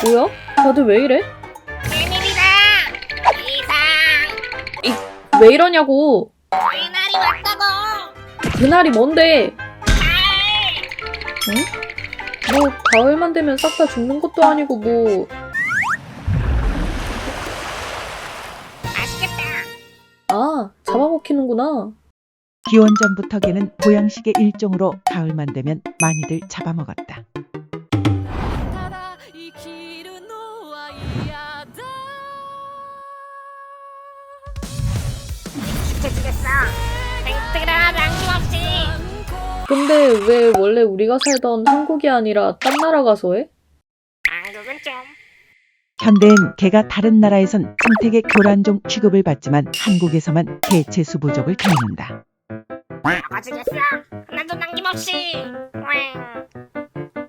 뭐야? 다들 왜 이래? 큰일이다! 이상! 왜 이러냐고. 그날이 왔다고! 그날이 뭔데? 가을! 응? 뭐 가을만 되면 싹 다 죽는 것도 아니고 뭐. 맛있겠다! 아, 잡아먹히는구나. 기원전부터 개는 보양식의 일종으로 가을만 되면 많이들 잡아먹었다. 지켜주겠어! 땡뜨라 남김없이! 근데 왜 원래 우리가 살던 한국이 아니라 딴 나라 가서 해? 한국은 좀... 현대엔 개가 다른 나라에선 생태계 교란종 취급을 받지만 한국에서만 개체수 부족을 겪는다. 먹어주겠어! 하나도 남김없이! 왱!